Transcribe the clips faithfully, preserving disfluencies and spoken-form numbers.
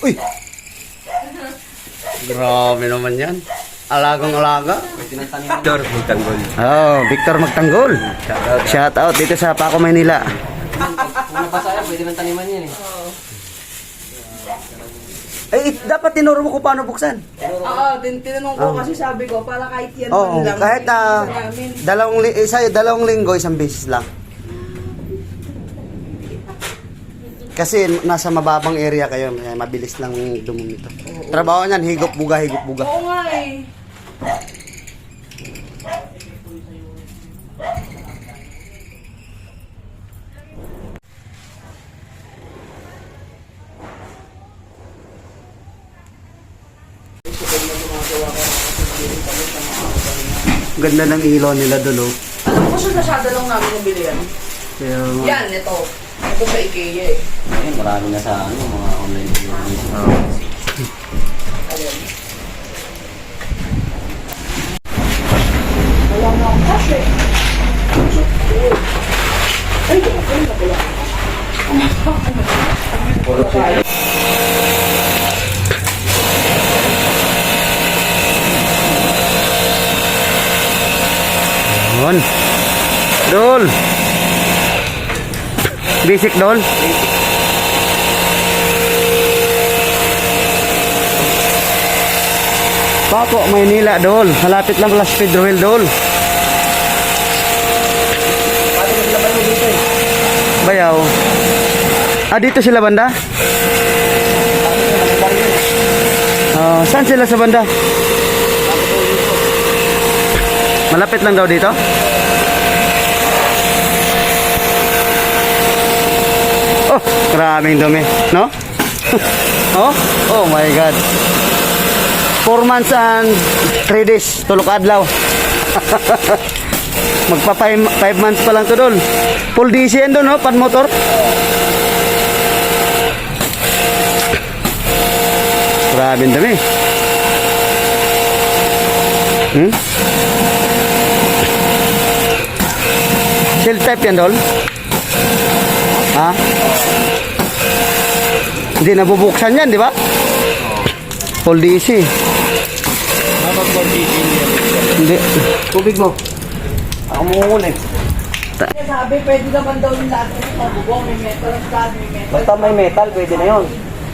Uy! Grabe naman yan. Alagang-alaga. Victor Magtanggol. Oh, Victor Magtanggol. Shout out dito sa Paco, Maynila. Kung napasaya, pwede man taniman yan eh. Eh, dapat tinuro mo kung paano buksan. Oo, tin tinanong ko kasi sabi ko, para kahit yan Oo, man lang. kahit na isa namin. dalawang, li- isa, dalawang linggo, isang beses lang. Kasi nasa mababang area kayo, eh, mabilis lang dumumi ito. Trabaho niyan, higop buga, higop buga. Oo nga eh. Ganda ng ilaw nila doon, oh. Alam ko siya masyado lang namin nabili yan. Pero, Yan, ito. Ito sa IKEA eh. Ayun, marami na sa ano, mga online videos. Ayan. Wala na akong cash eh. Ay, kumakulit na pala. yun. Dol. Basic, Dol. Paco, Maynila, Dol. Malapit lang pala sa Pedro Hill, Dol. Bayaw. Ah, dito sila banda? Ah, saan sila sa banda? Malapit lang daw dito? Oh, maraming dumi, no? Oh, oh my God. Four months and three days, tulok adlaw. Magpa five, five months pa lang to, Dol. Full D C yan doon, no? Pan motor. Maraming dumi. Hmm? Shield type yan, Dol? Ha? Hindi nabubuksan yan, di ba? Full D C. Dapat full D C yan. Hindi. Tubig mo. Ako muna eh. Sabi, pwede naman daw yung lahat ng mabubong. May metal, stud, may metal. Basta may metal, pwede na yun.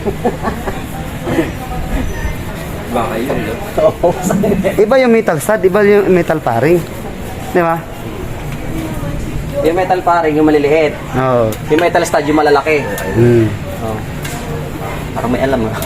Baka yun, no? Oo, Iba yung metal stud, iba yung metal paring. Di ba? yung metal paring, yung maliliit. Oo. Yung metal stud, yung malalaki. Hmm. Oh. Parang may alam ah.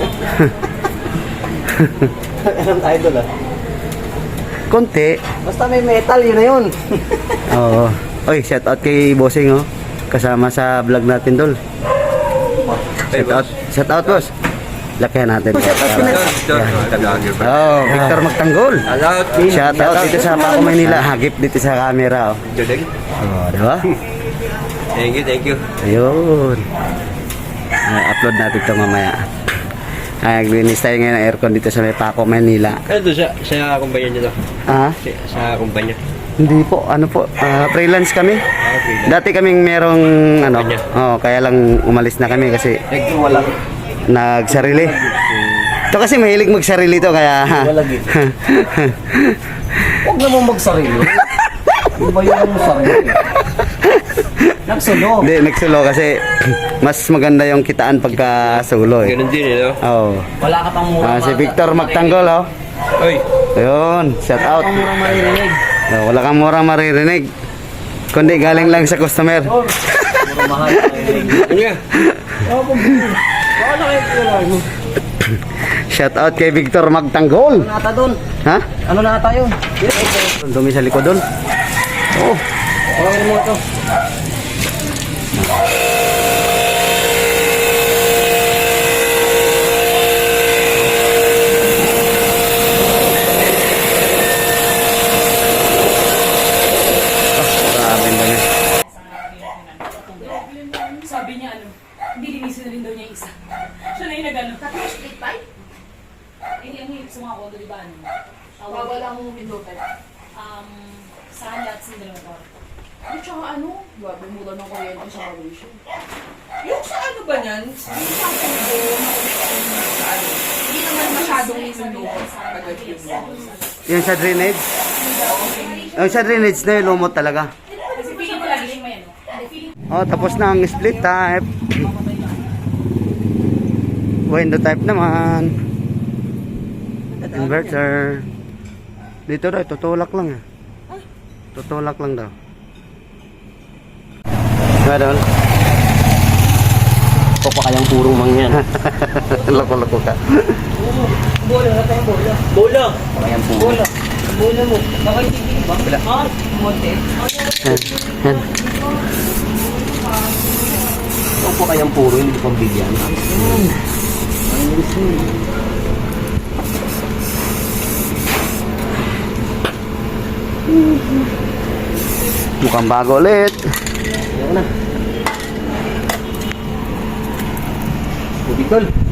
Alam tayo doon ah. Konti. Basta may metal, yun na yun. Oo. Oy, shout out kay Bossing, oh. Kasama sa vlog natin, Dol. Shout out. Shout out, boss. Lakihan natin. Shout out Oh, Victor Magtanggol. Shout out dito sa Paco, Maynila. Hagip dito sa camera, oh. Oh, di ba? Thank you, thank you. Ayun. Ay, upload natin ito mamaya. Ay, naglinis tayo ngayon ng aircon dito sa may Paco, Manila. Ano to sa, sa kumpanya niyo to? Ah? Sa, sa kumpanya? Hindi po, ano po, ah, freelance kami. Ah, freelance. Dati kaming merong, ano, Kumpanya. oh, kaya lang umalis na kami kasi Nagwala. nagsarili. Ito kasi mahilig magsarili to, kaya... Walag eh. Huwag naman magsarili. Iba yung sarili. Nagsulo. Hindi, nagsulo kasi mas maganda yung kitaan pagka sulo eh. Ganun din eh, no? Oh. Wala ka pang mura. Ah, si Victor Magtanggol, oh. Oy. Ayun, shout out. Wala kang murang maririnig. Oh, wala kang murang maririnig. Kundi galing lang sa customer. Murang mahal na maririnig. Ano nga? Oo, kung bili. Baka na kayo pala mo. Shout out kay Victor Magtanggol. Ano nata doon? Ha? Ano na tayo? Dumi sa likod doon. Oh. Tawagin mo ito. Grabe na niya. Sabi niya ano, hindi linisin na rin daw niya yung isa. Siya na yung nag-ano. Tapos split pipe? Eh, ang hirap sa mga kondo, di ba ano? Uh, Wala akong window pipe. Um, sa lahat sa dalawang kwarto. At saka ano, grabe mula ng kuryente sa Malaysia. Yung sa ano ba niyan? Yung sa ano sabi ko sa Yung sa drainage? Yung sa drainage na yung lumot talaga. Kasi feeling ko lagi yung may ano. Hindi, feeling Oh, tapos na ang split type. Window type naman. Inverter. Dito daw, tutulak lang eh. Tutulak lang daw. Nga doon? Ito pa kayang puro mangyan. Loko-loko ka. Bola, wala tayong bola. Bola. Kayang puro. Bola. Bola mo. Nakaitigil ba? Wala. Ah, monte. Yan. Yan. Ito pa kayang puro, hindi pang bigyan. Mukhang bago ulit. Ayan na. Bubitol.